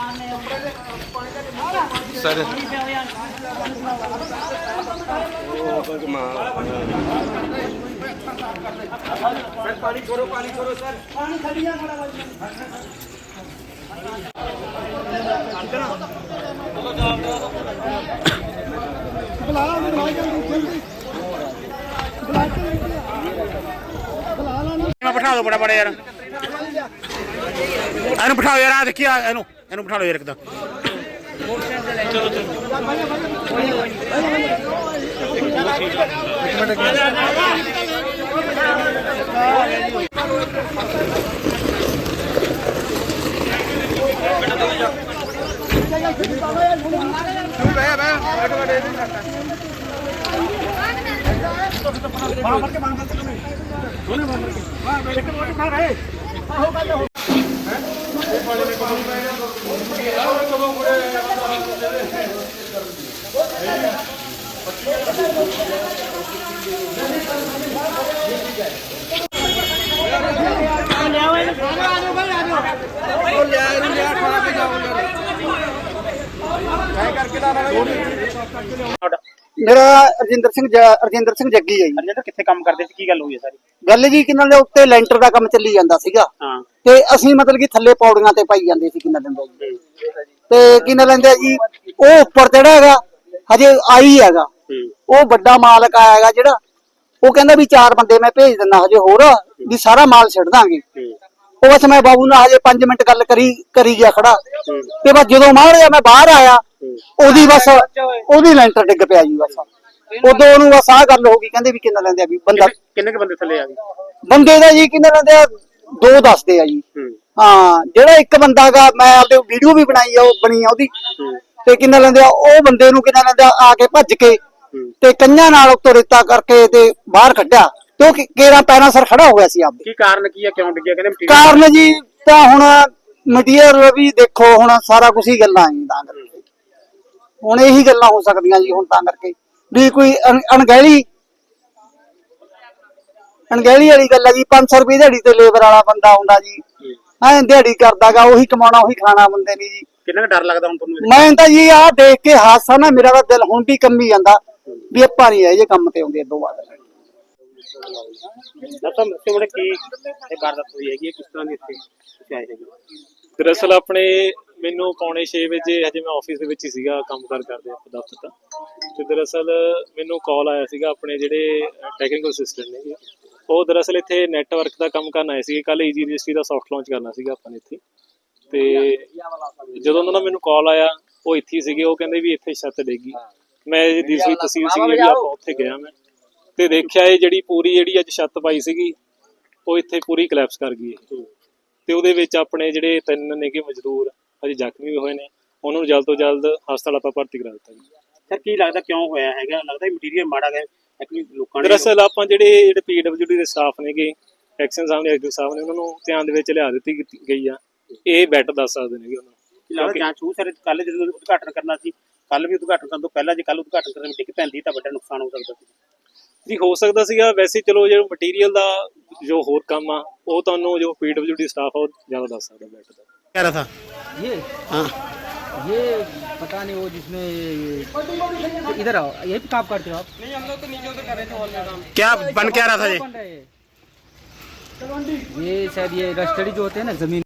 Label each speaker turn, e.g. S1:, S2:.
S1: Sir पानी छोड़ो sir, पानी खड़ी है
S2: बिठा दो बड़ा बड़ा यार, एनु बिठाओ यार, आ देखिए एनु एनु बिठा लो यार एकदम। चलो चलो
S3: मेरा रजिंदर सिंह जग्गी है जी।
S2: ਰਜਿੰਦਰ ਕਿੱਥੇ ਕੰਮ ਕਰਦੇ ਸੀ, ਕੀ ਗੱਲ ਹੋਈ ਹੈ ਸਾਰੀ
S3: गल जी कि नाले उत्ते लैंटर का काम चली जांदा सीगा
S2: ਹਾਂ
S3: ते असीं मतलब कि थल्ले पौड़ियां ते पाई जांदे सी किन्ना दिंदा जी ते किन्ना लैंदा जी ओ उपर जेड़ा हैगा हजे आई हैगा ओ बड़ा मालक आया हैगा जेड़ा ओ कहंदा भी 4 बंदे मैं भेज दिंदा हजे होर भी सारा माल छड्ड दांगे ओ बस मैं बाबू नाल हजे 5 मिनट गल करी गया खड़ा ते बस जदों मारिया मैं बाहर आया ओदी बस ओदी लैंटर डिग पिया जी बस उदों ओनू बस आ गल हो गई कहंदे भी किन्ना लैंदे भी बंदा
S2: ਕਿੰਨੇ ਕੁ ਬੰਦੇ ਥੱਲੇ ਆ ਗਏ
S3: बंदे दा जी किन्ना लैंदे दो दसदे आ जी हाँ जेड़ा एक बंदा गा मैं आपदे वीडियो भी बनाई आ बनी आ ओदी ते किन्ना लैंदे ओ बंदे नू किन्ना लैंदे आके भज के ते कंन्या नाल उत्तों रेता करके ते बाहर कड्ढिया ते ओ केरा पैरां सर खड़ा हो गया सी आपदे
S2: ਕੀ ਕਾਰਨ ਕੀ ਹੈ, ਕਿਉਂ ਡਿੱਗਿਆ ਕਹਿੰਦੇ
S3: कारण जी तां हुण मटीरियल भी देखो हुण सारा कुछ ही गल्लां आई तां करके हुण यही गल्लां हो सकदियां जी हुण तां करके भी कोई अणगहली वाली गल है जी 500 रुपये दिहाड़ी ते लेबर वाला बंदा आउंदा जी ऐ दिहाड़ी करदागा ओही कमाना ओही खाना बंदे ने जी
S2: ਕਿੰਨਾ ਕੁ ਡਰ ਲੱਗਦਾ ਹੁਣ ਤੁਹਾਨੂੰ
S3: मैं तां जी आ देख के हादसा ना मेरा तां दिल हुण भी कंबी जांदा भी ਆਪਾਂ नहीं ਇਹ ਕੰਮ ਤੇ ਆਉਂਦੇ ਇਦੋਂ ਬਾਅਦ
S2: ਦੱਸੋ ਦੱਸੋ ਬੜੇ ਕੀ ਇਹ ਵਾਰਦਾਤ ਹੋਈ ਹੈਗੀ ਕਿਸ ਤਰ੍ਹਾਂ ਦੀ ਇੱਥੇ ਤੁਸੀਂ ਆਏ ਹੈਗੇ
S4: ਦਰਅਸਲ ਆਪਣੇ ਮੈਨੂੰ ਪੌਣੇ 6 ਵਜੇ ਹਜੇ ਮੈਂ ਆਫਿਸ ਦੇ ਵਿੱਚ ਹੀ ਸੀਗਾ, ਕੰਮ ਕਰਦੇ ਆਪਾਂ ਦਫ਼ਤਰ ਦਾ। ਤੇ ਦਰਅਸਲ ਮੈਨੂੰ ਕਾਲ ਆਇਆ ਸੀਗਾ ਆਪਣੇ ਜਿਹੜੇ ਟੈਕਨੀਕਲ ਅਸਿਸਟੈਂਟ ਨੇ, ਉਹ ਦਰਅਸਲ ਇੱਥੇ ਨੈਟਵਰਕ ਦਾ ਕੰਮ ਕਰਨ ਆਏ ਸੀਗੇ। ਕੱਲ ਈਜੀ ਰਜਿਸਟਰੀ ਦਾ ਸੌਫਟ ਲਾਂਚ ਕਰਨਾ ਸੀਗਾ ਆਪਾਂ ਨੇ ਇੱਥੇ। ਤੇ ਜਦੋਂ ਉਹਨਾਂ ਦਾ ਮੈਨੂੰ ਕਾਲ ਆਇਆ ਉਹ ਇੱਥੇ ਹੀ ਸੀਗੇ, ਉਹ ਕਹਿੰਦੇ ਵੀ ਇੱਥੇ ਛੱਤ ਡੇਗੀ। ਮੈਂ ਦੂਸਰੀ ਤਹਿਸੀਲ ਸੀਗੀ ਜਿਹੜੀ ਆਪਾਂ ਉੱਥੇ ਗਿਆ ਮੈਂ ਤੇ ਦੇਖਿਆ ਇਹ ਜਿਹੜੀ ਪੂਰੀ ਜਿਹੜੀ ਅੱਜ ਛੱਤ ਪਾਈ ਸੀਗੀ ਉਹ ਇੱਥੇ ਪੂਰੀ ਕਲੈਪਸ ਕਰ ਗਈ ਤੇ ਉਹਦੇ ਵਿੱਚ ਆਪਣੇ ਜਿਹੜੇ 3 ਨੇਗੇ ਮਜ਼ਦੂਰ ਅਜੇ ਜ਼ਖਮੀ ਵੀ ਹੋਏ ਨੇ, ਉਹਨਾਂ ਨੂੰ ਜਲਦ ਤੋਂ ਜਲਦ ਹਸਪਤਾਲ ਆਪਾਂ ਭਰਤੀ ਕਰਾ ਦਿੱਤਾ ਜੀ।
S2: ਸਰ ਕੀ ਲੱਗਦਾ ਕਿਉਂ ਹੋਇਆ ਹੈਗਾ, ਲੱਗਦਾ ਮਟੀਰੀਅਲ ਮਾੜਾ ਗਿਆ ਐਕਚੁਅਲੀ ਲੋਕਾਂ ਨੇ
S4: ਦਰਅਸਲ ਆਪਾਂ ਜਿਹੜੇ PWD ਦੇ ਸਟਾਫ ਨੇਗੇ, ਐਕਸ਼ਨ ਸਾਹਿਬ ਨੇ, ਐਕਟਿਵ ਸਾਹਿਬ ਨੇ, ਉਹਨਾਂ ਨੂੰ ਧਿਆਨ ਦੇ ਵਿੱਚ ਲਿਆ ਦਿੱਤੀ ਗਈ ਆ। ਇਹ ਬੈਟਰ ਦੱਸ ਸਕਦੇ ਨੇਗੇ ਉਹਨਾਂ ਨੂੰ।
S2: ਲੱਗਦਾ ਜਾਂਚ ਹੋਊ ਸਰ, ਕੱਲ ਜਦੋਂ ਉਦਘਾਟਨ ਕਰਨਾ ਸੀ, ਕੱਲ ਵੀ ਉਦਘਾਟਨ ਕਰਨ ਤੋਂ ਪਹਿਲਾਂ ਜੇ ਕੱਲ ਉਦਘਾਟਨ ਕਰਨ ਵਿੱਚ ਡਿੱਗ ਪੈਂਦੀ ਤਾਂ ਵੱਡਾ ਨੁਕਸਾਨ ਹੋ ਸਕਦਾ ਸੀ
S4: ਜੀ। ਹੋ ਸਕਦਾ ਸੀਗਾ, ਵੈਸੇ ਚਲੋ ਜਿਹੜਾ ਮਟੀਰੀਅਲ ਦਾ ਜੋ ਹੋਰ ਕੰਮ ਆ ਉਹ ਤੁਹਾਨੂੰ ਜੋ PWD ਸਟਾਫ ਆ ਉਹ ਜ਼ਿਆਦਾ ਦੱਸ ਸਕਦਾ ਬੈਟਰ ਦਾ।
S2: कह रहा था
S5: ये
S2: हाँ
S5: ये पता नहीं वो जिसमें इधर आओ, यही पे काम करते हो आप? नहीं, हम लोग तो नीचे उधर कर रहे थे हॉल में काम।
S2: क्या बन क्या रहा था ये
S5: बन रहा है ये शायद ये रस्टडी जो होते हैं ना जमीन